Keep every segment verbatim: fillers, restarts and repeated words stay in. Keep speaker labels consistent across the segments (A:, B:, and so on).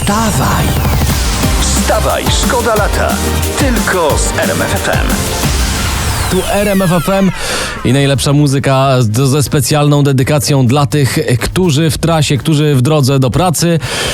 A: Wstawaj! Wstawaj, szkoda lata. Tylko z R M F F M.
B: Tu R M F F M i najlepsza muzyka ze specjalną dedykacją dla tych, którzy w trasie, którzy w drodze do pracy.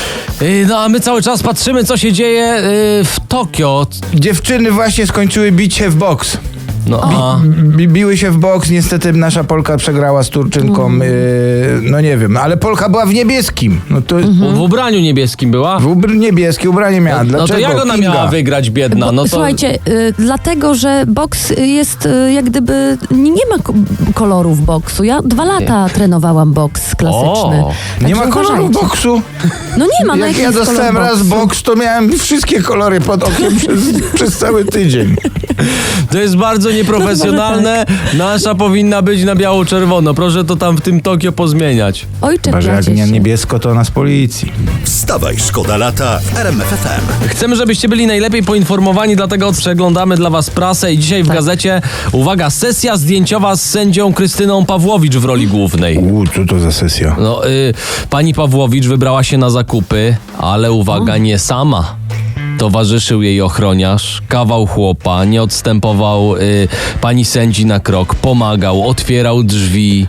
B: No a my cały czas patrzymy, co się dzieje w Tokio.
C: Dziewczyny właśnie skończyły bić się w boks.
B: No, a...
C: Bi- biły się w boks, niestety nasza Polka przegrała z Turczynką, mm. yy, no nie wiem, ale Polka była w niebieskim. No to
B: mm-hmm. W ubraniu niebieskim była?
C: W ubr- niebieskie ubranie miała.
B: No,
C: Dlaczego?
B: no to jak ona
C: Kinga?
B: miała wygrać, biedna?
D: Bo,
B: no to...
D: Słuchajcie, y, dlatego, że boks jest y, jak gdyby, nie, nie ma ko- kolorów boksu. Ja dwa lata nie. trenowałam boks klasyczny.
B: O,
C: nie ma koloru boksu?
D: No nie ma. No
C: jak ja dostałem raz boks, to miałem wszystkie kolory pod okiem przez, przez cały tydzień.
B: To jest bardzo nieprofesjonalne. Nasza powinna być na biało-czerwono. Proszę to tam w tym Tokio pozmieniać.
D: Oj,
C: Chyba, jak nie niebiesko, to ona z policji.
A: Wstawaj, szkoda lata w R M F F M.
B: Chcemy, żebyście byli najlepiej poinformowani, dlatego przeglądamy dla was prasę i dzisiaj w
D: tak.
B: gazecie, uwaga, sesja zdjęciowa z sędzią Krystyną Pawłowicz w roli głównej.
C: U, co to za sesja?
B: No, y, pani Pawłowicz wybrała się na zakupy, ale uwaga, o. nie sama. Towarzyszył jej ochroniarz, kawał chłopa, nie odstępował y, pani sędzi na krok, pomagał, otwierał drzwi.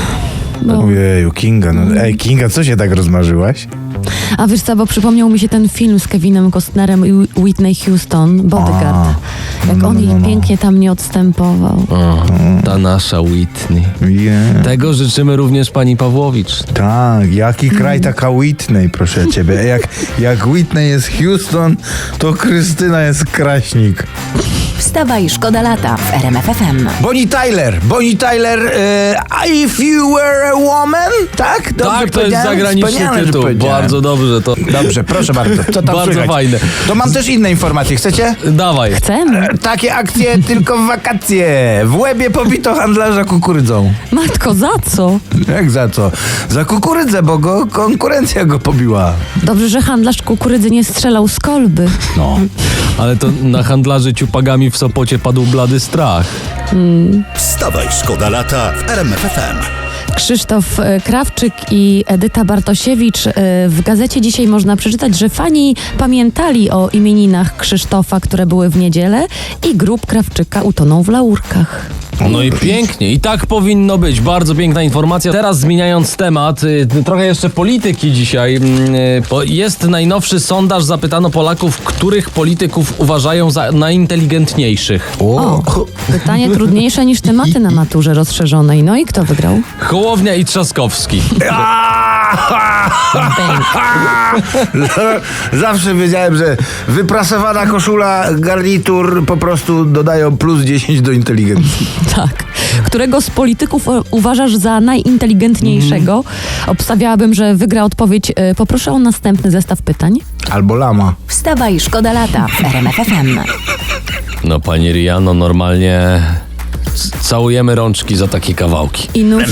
C: No. Ojeju, Kinga, no ej, Kinga, co się tak rozmarzyłaś?
D: A wiesz co, bo przypomniał mi się ten film z Kevinem Costnerem i Whitney Houston, Bodyguard. A, jak no, on jej no, no. pięknie tam nie odstępował.
B: O, ta nasza Whitney.
C: Yeah.
B: Tego życzymy również pani Pawłowicz.
C: Tak, jaki kraj mm. taka Whitney, proszę ciebie. Jak, jak Whitney jest Houston, to Krystyna jest Kraśnik.
E: Wstawaj, szkoda lata w R M F F M.
C: Bonnie Tyler, Bonnie Tyler, uh, If You Were a Woman, tak? Dobrze
B: tak, to jest zagraniczny
C: Wspaniale,
B: tytuł. Bardzo dobrze to.
C: Dobrze, proszę bardzo. Co tam
B: bardzo
C: słychać?
B: Fajne.
C: To mam też inne informacje, chcecie?
B: Dawaj.
D: Chcemy.
C: E, takie akcje tylko w wakacje. W Łebie pobito handlarza kukurydzą.
D: Matko, za co?
C: Jak za co? Za kukurydzę, bo go konkurencja go pobiła.
D: Dobrze, że handlarz kukurydzy nie strzelał z kolby.
C: No.
B: Ale to na handlarzy ciupagami w Sopocie padł blady strach.
D: Hmm.
A: Wstawaj, szkoda lata w R M F F M.
D: Krzysztof Krawczyk i Edyta Bartosiewicz. W gazecie dzisiaj można przeczytać, że fani pamiętali o imieninach Krzysztofa, które były w niedzielę i grób Krawczyka utonął w laurkach.
B: No i pięknie. I tak powinno być. Bardzo piękna informacja. Teraz zmieniając temat, trochę jeszcze polityki dzisiaj. Bo jest najnowszy sondaż. Zapytano Polaków, których polityków uważają za najinteligentniejszych.
D: O, pytanie trudniejsze niż tematy na maturze rozszerzonej. No i kto wygrał?
B: Hołownia i Trzaskowski.
C: Zawsze wiedziałem, że wyprasowana koszula, garnitur po prostu dodają plus dziesięć do inteligencji.
D: Tak. Którego z polityków uważasz za najinteligentniejszego? Mm. Obstawiałabym, że wygra odpowiedź. Poproszę o następny zestaw pytań.
C: Albo lama.
E: Wstawaj, szkoda lata w R M F F M.
B: No pani Riano, normalnie całujemy rączki za takie kawałki.
D: I nóż...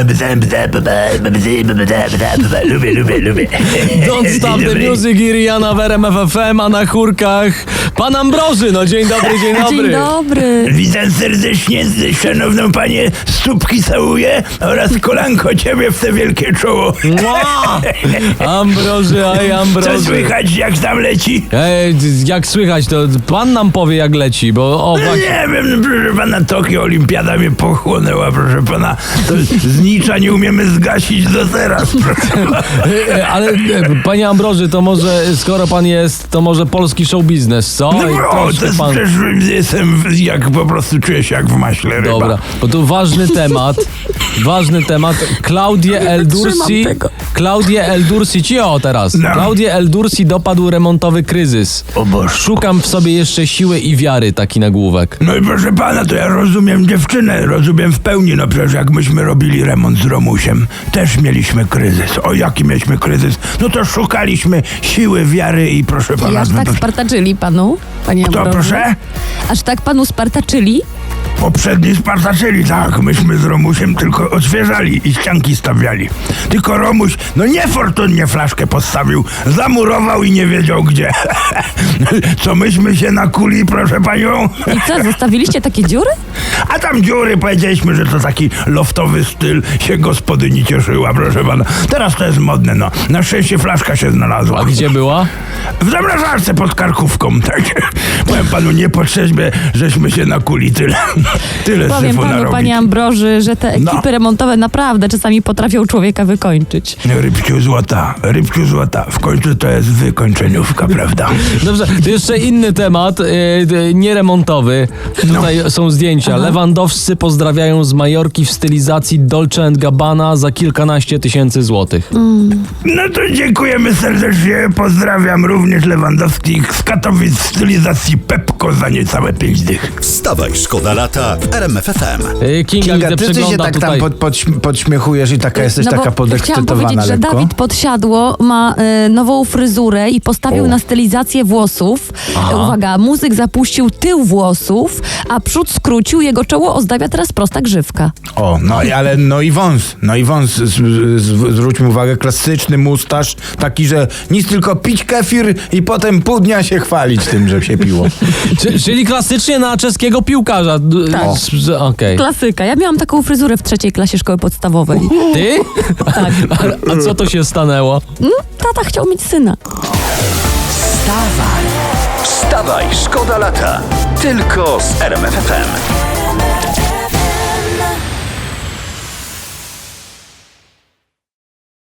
C: Lubię, lubię, lubię.
B: Don't stop the music i Rihanna w R M F F M, a na chórkach pan Ambroży. No dzień dobry, dzień dobry.
D: Dzień dobry.
C: Witam serdecznie, szanowną panię, stópki całuję oraz kolanko ciebie w te wielkie czoło.
B: Wow! Ambroży, aj Ambroży.
C: Co słychać, jak tam leci?
B: Ej, jak słychać, to pan nam powie, jak leci, bo o właśnie...
C: Nie wiem, proszę pana, Tokio Olimpiada mnie pochłonęła, proszę pana. To z nicza nie umiemy zgasić do teraz, proszę pana.
B: Ale panie Ambroży, to może, skoro pan jest, to może polski show biznes, co?
C: No bro, to jest, pan... też jestem jak po prostu czuję się jak w maśle ryba.
B: Dobra, bo tu ważny temat, ważny temat. Claudie El Dursi, Claudie El Dursi, cio teraz.
C: No.
B: Claudie El Dursi dopadł remontowy kryzys.
C: O Boże.
B: Szukam w sobie jeszcze siły i wiary, taki nagłówek.
C: No i proszę pana, to ja rozumiem dziewczynę, rozumiem w pełni, no przecież jak myśmy robili remont z Romusiem, też mieliśmy kryzys. O jaki mieliśmy kryzys? No to szukaliśmy siły, wiary i proszę pana...
D: I aż tak
C: to...
D: spartaczyli panu, panie
C: Kto,
D: Ambroży?
C: proszę?
D: Aż tak panu spartaczyli?
C: Poprzedni spartaczyli, tak. Myśmy z Romusiem tylko odświeżali i ścianki stawiali. Tylko Romuś, no niefortunnie flaszkę postawił, zamurował i nie wiedział gdzie. Co myśmy się nakuli, proszę panią?
D: I co, zostawiliście takie dziury?
C: A tam dziury, powiedzieliśmy, że to taki loftowy styl, się gospodyni cieszyła, proszę pana. Teraz to jest modne, no. Na szczęście flaszka się znalazła.
B: A gdzie była?
C: W zamrażarce pod karkówką, tak. Powiem panu, nie po trzeźbie, żeśmy się nakuli tyle. Tyle
D: Powiem
C: syfu
D: panu,
C: narobić.
D: panie Ambroży, że te ekipy
C: No.
D: remontowe naprawdę czasami potrafią człowieka wykończyć.
C: Rybciu złota, rybciu złota. W końcu to jest wykończeniówka, prawda?
B: Dobrze, to jeszcze inny temat, yy, nieremontowy. Tutaj są zdjęcia. Lewandowscy pozdrawiają z Majorki w stylizacji Dolce and Gabbana za kilkanaście tysięcy złotych.
C: No to dziękujemy serdecznie. Pozdrawiam również Lewandowski z Katowic w stylizacji Pepko za niecałe pięć dych.
A: Wstawaj, szkoda lata w R M F F M.
B: Yy, Kinga,
F: Kinga,
B: widzę,
F: ty, ty się
B: przegląda
F: tak
B: tutaj.
F: tam pod, pod, podśmiechujesz i taka jesteś
D: No bo
F: taka
D: chciałam
F: podekscytowana
D: powiedzieć, że
F: lekko.
D: Dawid Podsiadło ma e, nową fryzurę i postawił
F: O.
D: na stylizację włosów. E, uwaga, muzyk zapuścił tył włosów, a przód skrócił, jego czoło ozdabia teraz prosta grzywka.
F: O, no i ale no i wąs, no i wąs, z, z, zwróćmy uwagę, klasyczny mustaż, taki, że nic tylko pić kefir i potem pół dnia się chwalić tym, że się piło.
B: Czy, czyli klasycznie na czeskiego piłkarza. D-
D: Tak.
B: s- że- Okej.
D: Klasyka. Ja miałam taką fryzurę w trzeciej klasie szkoły podstawowej.
B: Ty?
D: Tak.
B: A, a co to się stanęło?
D: Mm, Tata chciał mieć syna.
A: Wstawaj, szkoda lata. Tylko z R M F F M.